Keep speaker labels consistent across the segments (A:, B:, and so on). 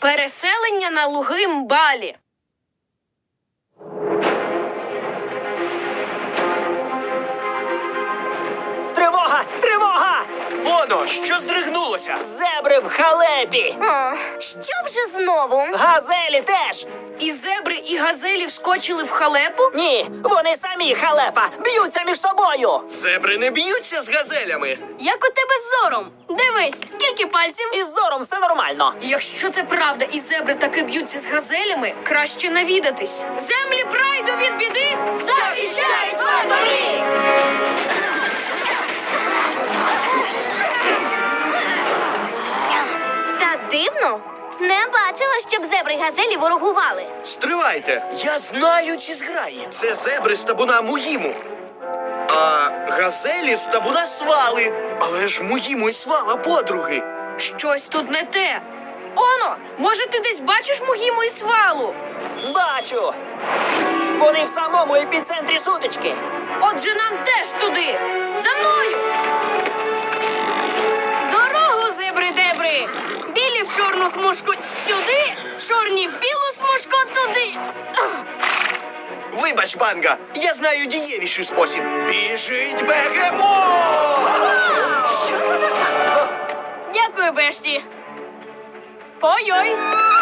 A: Переселення на луги Мбалі.
B: Тривога! Тривога!
C: Оно, що здригнулося?
B: Зебри в халепі!
D: Що вже знову?
B: Газелі теж!
A: І зебри, і газелі вскочили в халепу?
B: Ні, вони самі халепа! Б'ються між собою!
C: Зебри не б'ються з газелями.
D: Як у тебе з зором? Дивись, скільки пальців?
B: Із зором все нормально.
A: Якщо це правда і зебри таки б'ються з газелями, краще навідатись. Землі прайду від біди захищають вартові!
D: Так дивно. Не бачила, щоб зебри й газелі ворогували.
C: Стривайте, я знаю ці зграї. Це зебри з табуна Мугіму. А газелі з табуна Свали. Але ж Мугіму і Свала подруги.
A: Щось тут не те. Оно, може ти десь бачиш Мугіму і Свалу?
B: Бачу! Вони в самому епіцентрі сутички.
A: Отже, нам теж туди. За мною!
D: Дорогу, зебри-дебри! Білі в чорну смужку сюди, чорні в білу смужку туди.
C: Вибач, Банга, я знаю дієвіший спосіб. Біжить бегемот!
D: Дякую, Бешті. Ой-ой.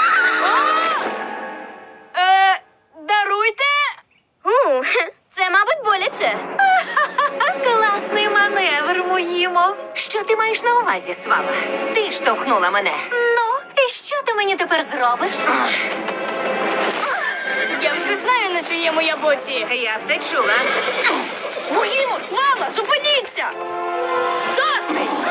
D: Даруйте. Це, мабуть, боляче.
E: Класний маневр, Мугімо. Що ти маєш на увазі, Свала? Ти штовхнула мене. Ну, і що ти мені тепер зробиш?
D: Я вже знаю, на чиєму я боці.
E: Я все чула.
A: Мугімо, Свала, зупиніться! Досить!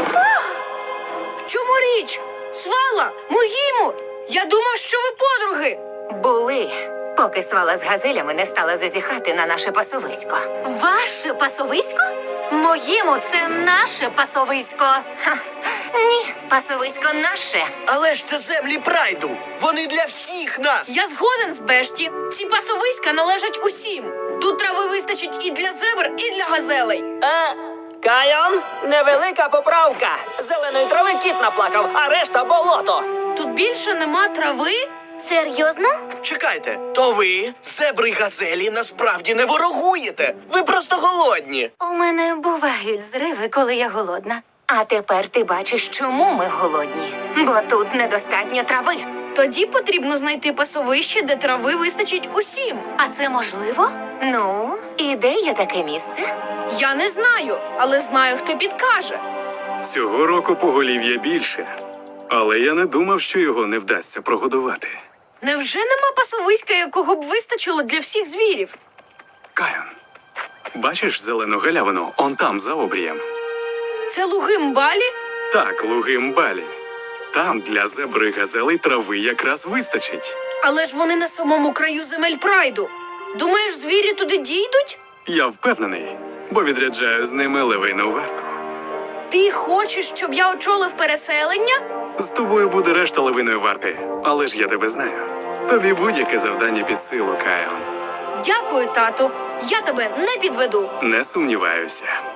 A: В чому річ? Свала, Мугімо, я думав, що ви подруги.
E: Були, поки Свала з газелями не стала зазіхати на наше пасовисько. Ваше пасовисько? Моїмо, це наше пасовисько. Ні, пасовисько наше.
C: Але ж це землі прайду. Вони для всіх нас.
A: Я згоден з Бешті. Ці пасовиська належать усім. Тут трави вистачить і для зебр, і для газелей.
B: Кайон, невелика поправка. Зеленої трави кіт наплакав, а решта болото.
A: Тут більше нема трави?
D: Серйозно?
C: Чекайте, то ви, зебри й газелі, насправді не ворогуєте. Ви просто голодні.
E: У мене бувають зриви, коли я голодна. А тепер ти бачиш, чому ми голодні. Бо тут недостатньо трави.
A: Тоді потрібно знайти пасовище, де трави вистачить усім.
E: А це можливо? Ну, і де є таке місце?
A: Я не знаю, але знаю, хто підкаже.
F: Цього року поголів'я більше, але я не думав, що його не вдасться прогодувати.
A: Невже нема пасовиська, якого б вистачило для всіх звірів?
F: Кайон, бачиш зелену галявину он там, за обрієм?
A: Це луги Мбалі?
F: Так, луги Мбалі. Там для зебри й газелей трави якраз вистачить.
A: Але ж вони на самому краю земель прайду. Думаєш, звірі туди дійдуть?
F: Я впевнений, бо відряджаю з ними левину варту.
A: Ти хочеш, щоб я очолив переселення?
F: З тобою буде решта левиної варти, але ж я тебе знаю. Тобі будь-яке завдання під силу, Кайон.
A: Дякую, тату. Я тебе не підведу.
F: Не сумніваюся.